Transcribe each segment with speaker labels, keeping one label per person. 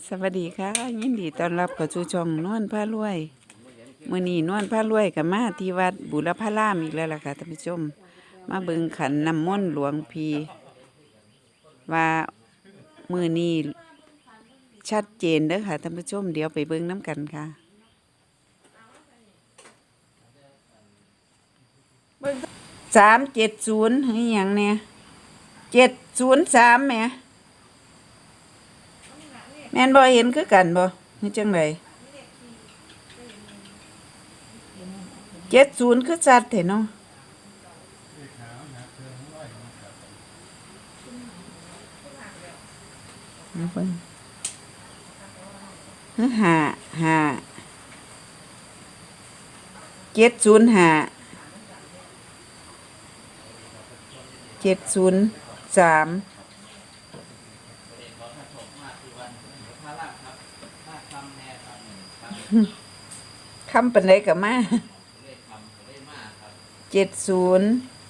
Speaker 1: สวัสดีค่ะยินดีต้อนรับเข้าสู่ช่องนวลพารวยมื้อนี้นวลพารวยกับมาที่วัดบุรพารามอีกแล้วล่ะค่ะท่านผู้ชมมาเบิ่งขันน้ำมนต์หลวงพี่ว่ามื้อนี้ชัดเจนเด้อค่ะท่านผู้ชมเดี๋ยวไปเบิ่งน้ำกันค่ะ370ให้หยังเนี่ย703แหมแม่นบ่เห็นคือกันบ่คือจังได70คือชัดแท้เนาะเบิ่ง703คำปานใดก็มา70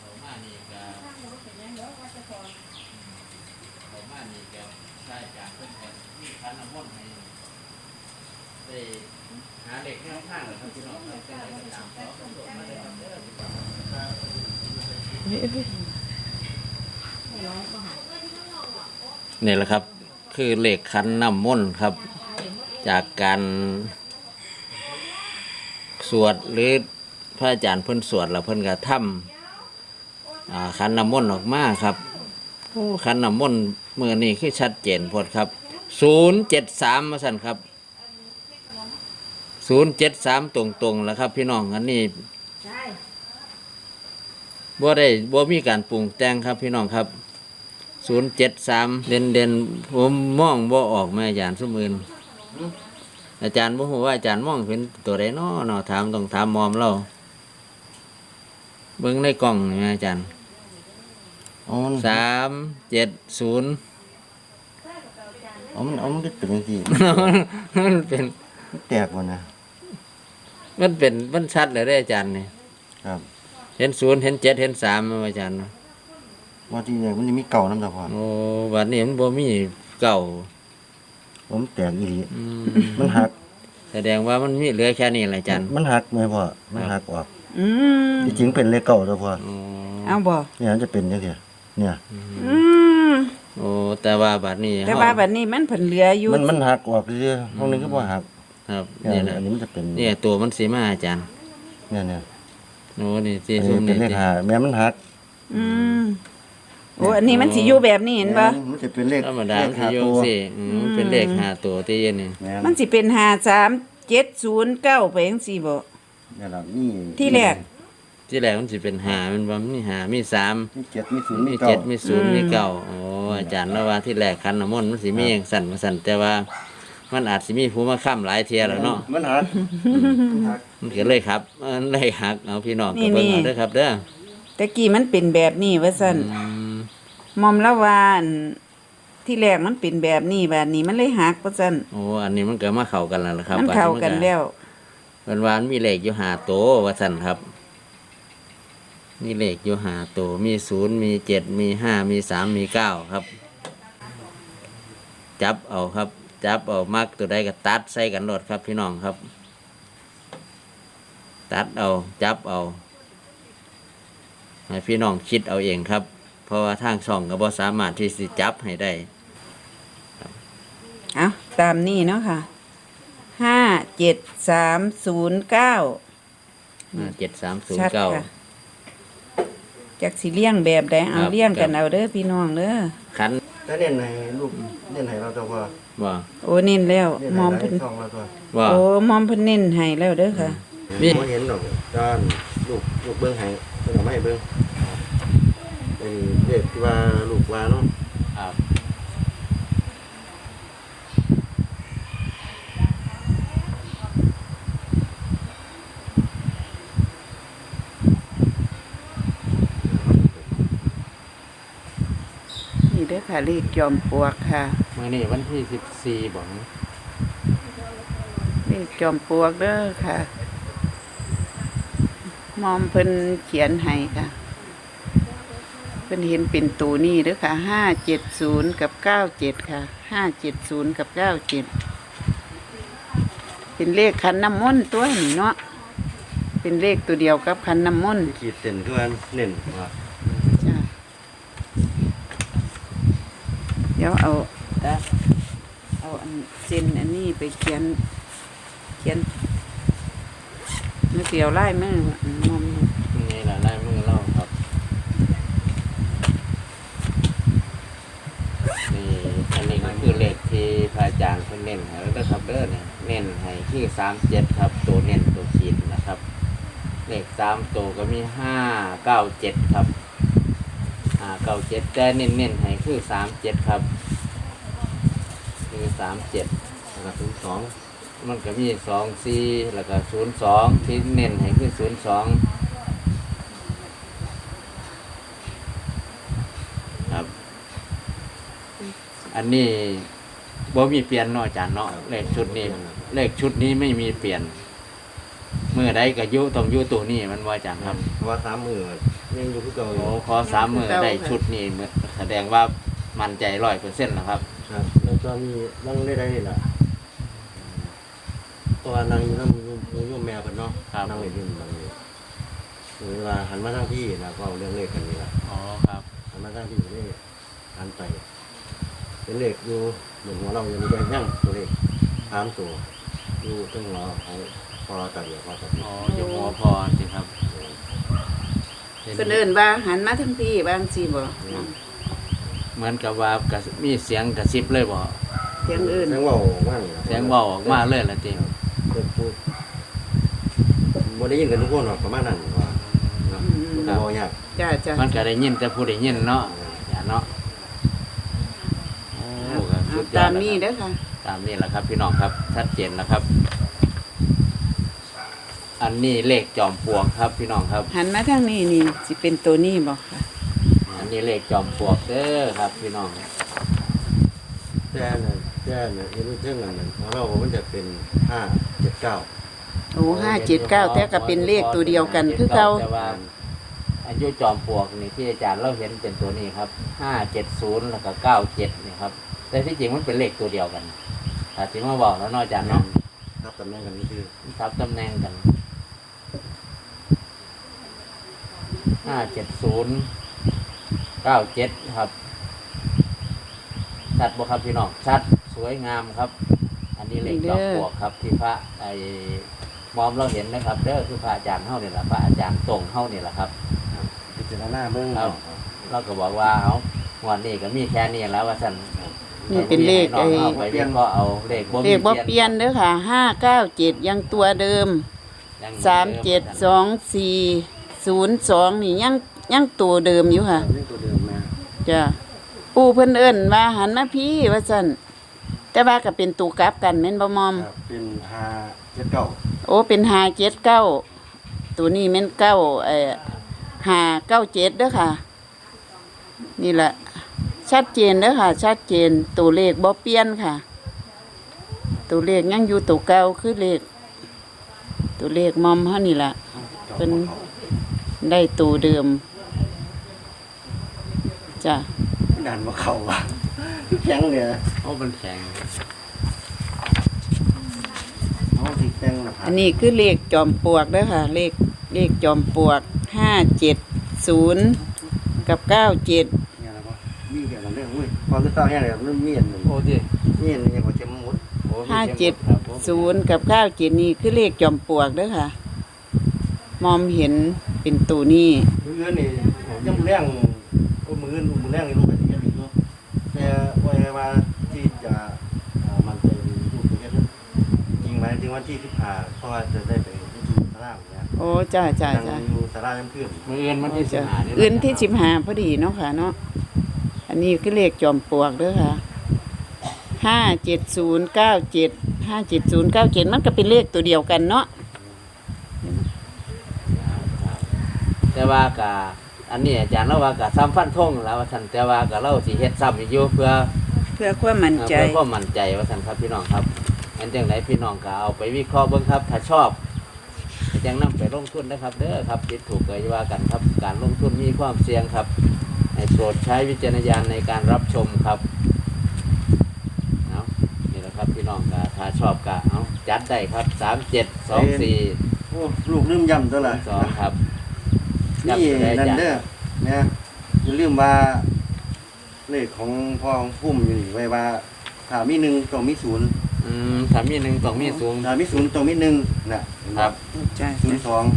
Speaker 2: นี่แหละครับคือเลขขันน้ำมนต์ครับจากการสวดหรือพระอาจารย์เพิ่นสวดแล้วเพิ่นก็ทำขันน้ำมนต์ออกมาครับขันน้ำมนต์เมื่อนี้คือชัดเจนพอดครับ073มาสั่นครับ073ตรงๆแล้วครับพี่น้องอันนี้บ่มีการปรุงแต่งครับพี่น้องครับ073เด่นผมมองบ่ออกแม่อาจารย์สมอื่นอาจารย์บ่ฮู้ว่าอาจารย์มองเป็นตัวใดน้อถามต้องถามมอมเราเบิ่งในกล้องนี่แม่อาจารย์370
Speaker 3: มันก็เป็นอย่างที่
Speaker 2: มันเป็น
Speaker 3: แตกหมดนะ
Speaker 2: มันชัดเลยได้ออาจารย์นี่
Speaker 3: ครับ
Speaker 2: เห็น0เห็น7เห็น3แม่อาจารย์
Speaker 3: ว่าที่เนี่ยมันจะมีเก่าน้ำตาพอน
Speaker 2: โอ้บัดนี้มันบ่มีเก่า
Speaker 3: ผมแตกอีหลี
Speaker 2: อืม
Speaker 3: มันหัก
Speaker 2: แสดงว่ามันมีเหลือแค่นี้แหละอาจารย์
Speaker 3: มันหักไหมพ่อมันหักออก
Speaker 1: อืม
Speaker 3: จริงๆเป็นเลขเก่าตาพอ
Speaker 2: อ๋อ
Speaker 1: เอาบ่
Speaker 3: เนี่ยมันจะเป็นจังซี่เนี่ย
Speaker 1: อืม
Speaker 2: โอ้แต่ว่าบัดนี้
Speaker 1: แต่ว่าบัดนี้มันเพิ่นเหลืออยู่
Speaker 3: มันหักออกเรื่อยๆห้องนึงก็บ่หัก
Speaker 2: ครับ
Speaker 3: เนี่ย
Speaker 2: นี่แหละ
Speaker 3: อันนี้มันจะเป็น
Speaker 2: เนี่ยตัวมันสีมาอาจารย์
Speaker 3: เนี่ย
Speaker 2: โอ้นี่ที่
Speaker 3: อัน
Speaker 2: ซุ่
Speaker 3: นี้
Speaker 2: ม
Speaker 3: เป็น
Speaker 2: นี่
Speaker 3: เลขห้าแม้มันหัก
Speaker 1: อืมโอ้อันนี้มันสิอยู่แบบนี้เห็นบ่
Speaker 3: มันจะเป็นเลข
Speaker 2: ธรรมดา
Speaker 3: เล
Speaker 2: มัน
Speaker 3: ข
Speaker 2: สิ
Speaker 3: ห้า
Speaker 2: โย
Speaker 3: ตั
Speaker 2: ง
Speaker 3: ว
Speaker 2: สิมันเป็นเลข5ตัวที่เย็นนี่
Speaker 3: แม่
Speaker 1: มันสิเป็น5370ไปจังซี่บ่
Speaker 3: เนี่ยล่ะนี่
Speaker 1: ที่แรก
Speaker 2: ที่แรกมันสิเป็น5มันบ่มี5มี3
Speaker 3: มี7มี0
Speaker 2: มี
Speaker 3: มี
Speaker 2: 7
Speaker 3: 9
Speaker 2: มี0มี9โอ้อาจารย์แล้วว่าที่แรกคันน้ำมนต์มันสิมีอย่างสั่นมาสั่นแต่ว่ามันอาจสิมีผู้มาค้ำหลายเที่ยแล้วเนาะ
Speaker 3: มันหักมันหัก
Speaker 2: มันก็เลยครับมันเลยหักเอาพี่น้องก็เบิ่งเอาเด้อครับเด้อ
Speaker 1: แต่กี้มันเป็นแบบนี้ว่าซั่น
Speaker 2: อืม
Speaker 1: มอมละวาอันที่แรกมันเป็นแบบนี้แบบนี้มันเลยหักว่าซั่น
Speaker 2: โอ้อันนี้มันก็มาเข้ากันแล้วล่ะครับ
Speaker 1: มันเข้ากันแล้ว
Speaker 2: มันวามันมีเลขอยู่5ตัวว่าซั่นครับมีเลขอยู่5ตัวมี0มี7มี5มี3มี9ครับจับเอาครับจับเอามักตัวใดก็ตัดใส่กันโลดครับพี่น้องครับตัดเอาจับเอาให้พี่น้องคิดเอาเองครับเพราะว่าทางช่องก็บ่สามารถที่สิจับให้ได้
Speaker 1: เอาตามนี้เนาะค่ะ57309 ชัดค่ะ
Speaker 2: 7309
Speaker 1: จักสิเลี้ยงแบบใดเอา
Speaker 2: ครับ
Speaker 1: เลี้ยงกัน
Speaker 2: ครับ
Speaker 1: เอาเด้อพี่น้องเด้อ
Speaker 2: คัน
Speaker 3: ถ้าเน้นให้ลูกเน้นให้เราตัวพอ
Speaker 2: ว่า
Speaker 1: โอ้เน้นแล้ว
Speaker 3: เน้น
Speaker 1: ม
Speaker 3: ให้
Speaker 1: อม
Speaker 3: หลาย
Speaker 1: เพิ่น
Speaker 3: ช่องเราตัว
Speaker 2: ว่า
Speaker 1: โอ้มอมเพิ่นเน้นให้แล้วเด้อค่ะ
Speaker 2: นี่
Speaker 3: บ่เห็นหรอกด้านลูกเบิ่งให้เพิ่นเอามาให้เบิ่งเป็นเลขที่ว่าลูกว่าเนาะ
Speaker 2: ครับ
Speaker 1: นี่เด้อค่ะเลขจอมปลวกค่ะ
Speaker 2: มื้อนี้วันที่14บ่
Speaker 1: เลขจอมปลวกเด้อค่ะมอมเพิ่นเขียนให้ค่ะเพิ่นเห็นเป็นตัวนี้เด้อค่ะ570กับ97ค่ะ570กับ97เป็นเลขขันน้ำมนต์ตัวนี้เนาะเป็นเลขตัวเดียวกับขันน้ำมนต์
Speaker 3: ขีดเส้นคือว่าเน้นว่า
Speaker 1: จ้ะเดี๋ยวเอาอันเส้นอันนี้ไปเขียนมือเสียวไล่มือมอม
Speaker 2: นี่แหละลายมือเราครับนี่อันนี้ก็คือเลขที่พระอาจารย์เพิ่นเน้นให้แล้วนะครับเด้อเนี่ยเน้นให้ที่37ครับตัวเน้นตัวขีดนะครับเลข3ตัวก็มี597ครับ597แต่เน้นให้คือ37ครับคือ37
Speaker 3: แล้วก็02
Speaker 2: มันก็มี24แล้วก็02ที่เน้นให้คือ02ครับ อันนี้บ่มีเปลี่ยนเนาะอาจารย์เนาะเลขชุดนี้ไม่มีเปลี่ยนเมื่อใดก็อยู่ต้องอยู่ตัวนี้มันว่าอาจารย์ครับ
Speaker 3: เพราะว่า3มื้อยังอยู่คือเก่าอยู่
Speaker 2: โอ้ขอ3มื้อได้ชุดนี้แสดงว่ามั่นใจ 100% แล้วครับ
Speaker 3: ครับแล้วตอนนี้นั่งได้นี่ล่ะตัวนั่งอยู่นำโยมแม่เพิ่นเนาะ
Speaker 2: ครับ
Speaker 3: นั่งเล่นอยู่บางนี้เวลาหันมาทางพี่นะก็เอาเรื่องเลขกันนี่ล่ะ
Speaker 2: อ๋อครับ
Speaker 3: หันมาทางพี่นี่หันไปเป็นเลขอยู่เหมือนหัวเรายังมีแดงยั่งตัวเลข3ตัวอยู่ตรงหัวของพอตะเดียวพอตะเดีย
Speaker 2: อ๋
Speaker 3: ว
Speaker 2: ออยู่หัวพรสิครับ
Speaker 1: เพิ่นเอิ้นว่าหันมาทั้งพี่บางสิบ่
Speaker 2: เหมือนกับว่ามีเสียงกระซิบเลยบ่
Speaker 1: เสียงอื่น
Speaker 3: เสียงเว้าว่าง
Speaker 2: เสียงเว้าออกมาเลยล่ะติ
Speaker 3: เพิ่นพูดบ่ได้ยินกันทุกคนหรอกประมาณนั้นว่าเนาะมันก็บ่ยาก
Speaker 1: จ้ะ
Speaker 2: มันก็ได้ยินแต่ผู้ได้ยินเนาะอย่าเนาะโอ้ก็สุดยอ
Speaker 1: ตา
Speaker 2: ด
Speaker 1: ม
Speaker 2: แล้ว
Speaker 1: นี้
Speaker 2: ครับ
Speaker 1: เด้อค่ะ
Speaker 2: ตามนี้แหละครับพี่น้องครับชัดเจนแล้วครับ อันนี้เลขจอมปลวกครับพี่น้องครับ
Speaker 1: หันมาทางนี้นี่สิเป็นตัวนี้บ่ค่ะ
Speaker 2: อันนี้เลขจอมปลวกเด้อครับพี่น้อง
Speaker 3: แต่เนี่ยเห็นเรื่องนั้นของเรามันจะเป็น579
Speaker 1: โอ้579แต่ก็เป็นเลขตัวเดียวกันคือเก่า
Speaker 2: แต่ว่าอายุจอมปลวกนี่ที่อาจารย์เราเห็นเป็นตัวนี้ครับ570แล้วก็97นี่ครับแต่ที่จริงมันเป็นเลขตัวเดียวกันถ้าสิมาบอกแล้วเนาะอาจารย์เนาะ
Speaker 3: ครับตำแหน่งกันนี่คือ
Speaker 2: ทับตำแหน่งกัน57097ครับชัดบ่ครับพี่น้องชัดสวยงามครับ อันนี้เลขจอมปลวกครับที่พระไอ้มอมเราเห็นนะครับเด้อคือพระอาจารย์เฮานี่แหละพระอาจารย์ตรงเฮานี่แหละครับ
Speaker 3: พิจารณาเบิ่ง
Speaker 2: ครับ เราก็บอกว่าเอาวันนี้ก็มีแค่นี้แล้วว่าซั่น
Speaker 1: นี่เป็นเลข
Speaker 2: น้องเอาไปวิเคราะห์เอาเลข
Speaker 1: เลขบ่เปลี่ยนเด้อค่ะ597ยังตัวเดิม
Speaker 2: ยังเหมือนเดิม
Speaker 1: 372402นี่ยังตัวเดิมอยู่ค่ะ
Speaker 3: นี่ตัวเดิมนะ
Speaker 1: จ้ะปู่เพิ่นเอิ้นว่าหันมาพี่ว่าซั่นแต่ว่าก็เป็นตูกลับกันแม่นบ่มอม
Speaker 3: ครับเป็น579
Speaker 1: โอ้เป็น579ตัวนี้แม่น597เด้อค่ะ นี่แหละชัดเจนเด้อค่ะ ชัดเจนตัวเลขบ่เปลี่ยนค่ะ ตัวเลขยังอยู่ตัวเก่าคือตัวเลขมอมเฮานี่ล่ะ เป็นได้ตัวเดิมจ้ะ
Speaker 3: ดันมาเข้าว่ะแข็งเนี่ย
Speaker 2: โอ้มันแข็ง
Speaker 3: เอาสิแข็งนะครั
Speaker 1: อันนี้คือเลขจอมปลวกเด้อค่ะ เลขจอมปลวก570กับ97
Speaker 3: เนี่ยนะบ่มีแค่นั้นเด้ออุ้ยพอคือเศร้าแห้งเลยมันมีอันหนึง
Speaker 2: โอ้ดิ
Speaker 3: มีอันหนึงยังบ่เจ็บมุด
Speaker 2: โอ้มีเข็มหมดครับผม
Speaker 1: 570กับ97นี่คือเลขจอมปลวกเด้อค่ะ มอมเห็นเป็นตัวนี้
Speaker 3: มื้ออื่นนี่ยังแรงมื้ออื่นมื้อแรงนี่ลงไปสิเฮ็ดอีกเนาะแต่ว่าที่จะมันเป็นรูปเฮ็ดจริงไหมถึงวันที่15เพราะว่าจะได้ไปที่ศาลาเนี่ย
Speaker 1: โอ้จ้า
Speaker 3: นั่งอยู่ศาลาน้ำเพื่อน
Speaker 2: มืออื่นมันที่สิ
Speaker 1: จ้ะ
Speaker 2: บหานี่
Speaker 1: อื่นที่15พอดีเนาะค่ะเนาะอันนี้คือเลขจอมปลวกเด้อค่ะ57097มันก็เป็นเลขตัวเดียวกันเนาะ
Speaker 2: แต่ว่ากะอันนี้อาจารย์เราว่ากะซ้ำฟันธงแล้วว่าซั่นแต่ว่ากะเราสิเฮ็ดซ้ำอีกอยู่เพื่อ
Speaker 1: เพื่อความมั่นใจ
Speaker 2: เพื่อความมั่นใจว่าซั่นครับพี่น้องครับอันจังไดพี่น้องก็เอาไปวิเคราะห์เบิ่งครับ ถ้าชอบก็จังนำไปลงทุนนะครับ เด้อครับผิดถูกก็อย่าว่ากันครับ การลงทุนมีความเสี่ยงครับให้โปรดใช้วิจารณญาณในการรับชมครับเอานี่แหละครับพี่น้องกะถ้าชอบกะเอาจัดได้ครับ3724
Speaker 3: โอ้ลูกลืมย้ำตัวละ
Speaker 2: 2ครับ
Speaker 3: นี่นั่นเด้อเนี่ยอย่าลืมว่าเลขของพ่อของพุ่มอยู่นี่ไว้ว่าถ้ามีหนึ่งต้องมีศูนย์
Speaker 2: ถ้ามี1ต้องมีสูง
Speaker 3: ถ้ามีศูนย์ต้องมีหนึ่งน่ะ
Speaker 2: ครับ
Speaker 1: จ้า
Speaker 3: ศูนย์สอง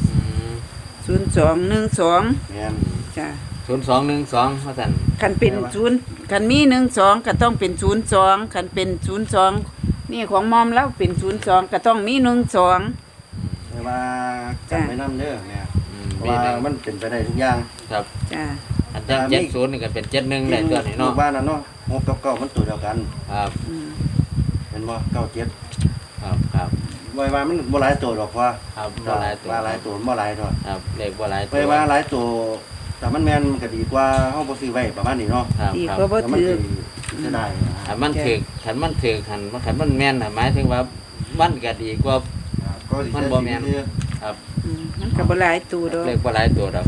Speaker 1: 0212
Speaker 3: แม่น
Speaker 1: จ้า
Speaker 2: 0212ว่าซั่น
Speaker 1: คันเป็น0คันมี12ก็ต้องเป็น02คันเป็น02นี่ของมอมแล้วเป็น02ก็ต้องมี12
Speaker 3: ไว้ว่าจำไว้นำเด้อแม่เพราะ
Speaker 2: มี
Speaker 3: ว่า
Speaker 2: หนึ่ง
Speaker 3: มันเป็นไปได้ทุกอย่าง
Speaker 2: ครับ
Speaker 1: จ้า
Speaker 2: อันจัง70นี่ก็เป็น71ได้ตัวนี้
Speaker 3: ลู
Speaker 2: เนาะ
Speaker 3: กบ้านนั่นเนาะ6กับ9มันตัวเดียวกัน
Speaker 2: ครับ
Speaker 1: อืม
Speaker 3: เป็นบ่97
Speaker 2: ครับ
Speaker 3: ไว้ว่ามันบ่หลายตัวดอกว่า
Speaker 2: ครับบ่หลายตัว
Speaker 3: ว่าหลายตัวบ่หลายดอก
Speaker 2: ครับเลขบ่หลายตัว
Speaker 3: ไว้ว่าหลายตัวแต่มันแม่นมันก็ดีกว่าเฮาบ่ซื้อไว้ประมาณนี้เนาะ
Speaker 2: ครับ
Speaker 1: ดี
Speaker 2: ครับ
Speaker 1: กว่าบ่
Speaker 3: แล้วมัน
Speaker 1: ถือ
Speaker 3: สิจะได้นะ
Speaker 2: ถ้ามันถึกคันมันถึกคันมันแม่นน่ะหมายถึงว่ามันก็ดีกว่า
Speaker 3: ก็สิ
Speaker 2: มันบ่แม่น ครับ
Speaker 1: มันก็บ่หลายตัวดอก
Speaker 2: เลขบ่หลายตัวดอก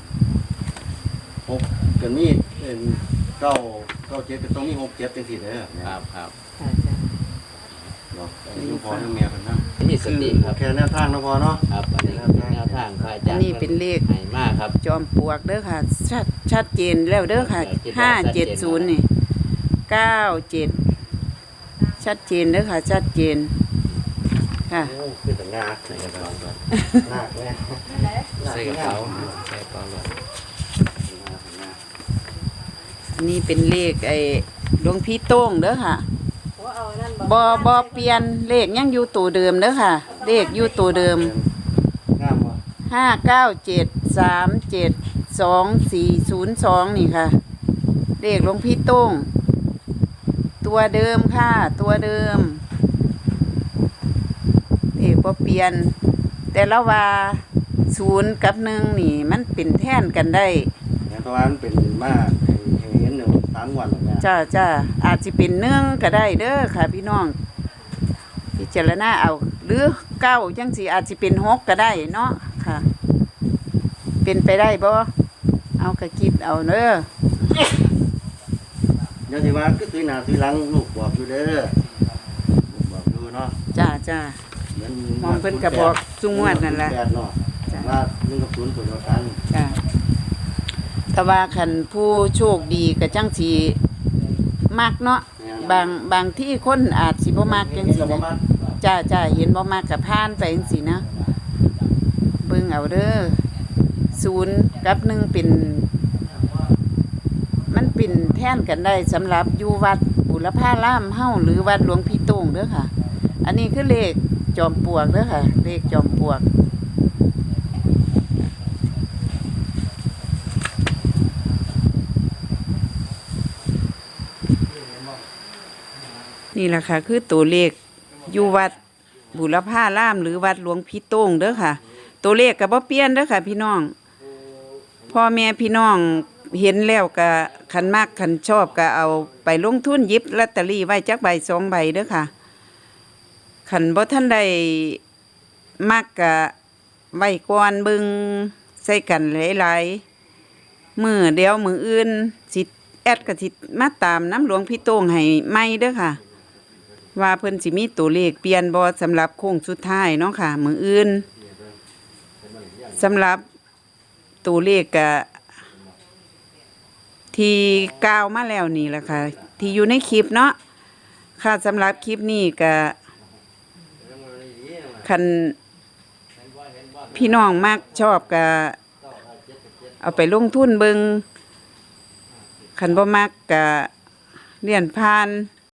Speaker 3: 6กันมี9 7ก็ต้องมี6 7จังซี่เด้อ
Speaker 2: ครับครับ
Speaker 1: จ้าจ้า
Speaker 3: เนาะอยู่พอทั้งแม่เพิ่นนำ
Speaker 2: มีสติครับ
Speaker 3: แค่แนวทางเนาะพอเนาะ
Speaker 2: ครับอันนี้เป็นแนวทางพระอา
Speaker 1: อั
Speaker 2: จาน รย์
Speaker 1: นี้เป็นเลข
Speaker 2: ให้มากครับ
Speaker 1: จอมปลวกเด้อค่ะ ชัดเจนแล้วเด้อค่ะ570นี่97ชัดเจนเด้อค่ะ ชัดเจนค่ะ
Speaker 3: โอ้คือแต่งาใส่กระเป๋าก่อนหนักแน่
Speaker 2: ใส่กระเป๋าใส่กระเป๋าเลย
Speaker 1: อันนี้เป็นเลขไอ้หลวงพี่โต้งเด้อค่ะบ่เปลี่ยนเลขยังอยู่ตัวเดิมเด้อค่ะ เลขอยู่ตัวเดิม
Speaker 3: งามบ่
Speaker 1: 597372402นี่ค่ะ เลขหลวงพี่โต้งตัวเดิมค่ะ ตัวเดิมเลขบ่เปลี่ยน แต่ละว่า0กับ1นี่มันเป็นแทนกันได้
Speaker 3: เพราะว่ามันเป็นมาให้เห็นอยู่3วันแล้วแม่
Speaker 1: จ้าอาจสิเป็น1ก็ได้เด้อค่ะ พี่น้องพิจารณาเอาหรือ9จังสิอาจสิเป็น6ก็ได้เนาะค่ะ เป็นไปได้บ่เอาก็คิดเอาเด้อ
Speaker 3: เดี๋ยวสิว่าคือตุยหน้าตุยหลังลูกบอกอยู่เด้อลูกบอกอยู่เนาะ
Speaker 1: จ้า
Speaker 3: เหมือน
Speaker 1: มองเพิ่นก็บอกซุงวดนั่นล่ะ
Speaker 3: แปดเนาะ
Speaker 1: จ้ะ
Speaker 3: ว่า1กับ0ตัวเดียวกัน
Speaker 1: จ้าถ้าว่าคันผู้โชคดีก็จังสิมักเนาะบางที่คนอาจสิบ่มักจังซี่นะจ้าเห็นบ่มักก็ผ่านไปจังซี่นะเบิ่งเอาเด้อ0กับ1เป็นมันเป็นแทนกันได้สำหรับอยู่วัดบุรพารามเฮาหรือวัดหลวงพี่โต้งเด้อค่ะ อันนี้คือเลขจอมปลวกเด้อค่ะ เลขจอมปลวก นี่แหละค่ะ คือตัวเลขอยู่วัดบุรพารามหรือวัดหลวงพี่โต้งเด้อค่ะ ตัวเลขก็บ่เปลี่ยนเด้อค่ะ พี่น้องพ่อแม่พี่น้องเห็นแล้วก็คันมากคันชอบก็เอาไปลงทุนหยิบลอตเตอรี่ไว้จักใบ2 ใบเด้อค่ะคันบ่ทันได้มักก็ไว้ก่อนเบิ่งใส่กันหลายๆมื้อเดียวมื้ออื่นสิแอดก็สิมาตามน้ำหลวงพี่โต้งให้ใหม่เด้อค่ะ ว่าเพิ่นสิมีตัวเลขเปลี่ยนบ่สำหรับโค้งสุดท้ายเนาะค่ะ มื้ออื่นสำหรับตัวเลขก็ที่กล่าวมาแล้วนี่แหละค่ะ ที่อยู่ในคลิปเนาะค่ะสำหรับคลิปนี้ก็คันพี่น้องมักชอบก็เอาไปลงทุนเบิ่งคันบ่มักก็เลี่ยนผ่าน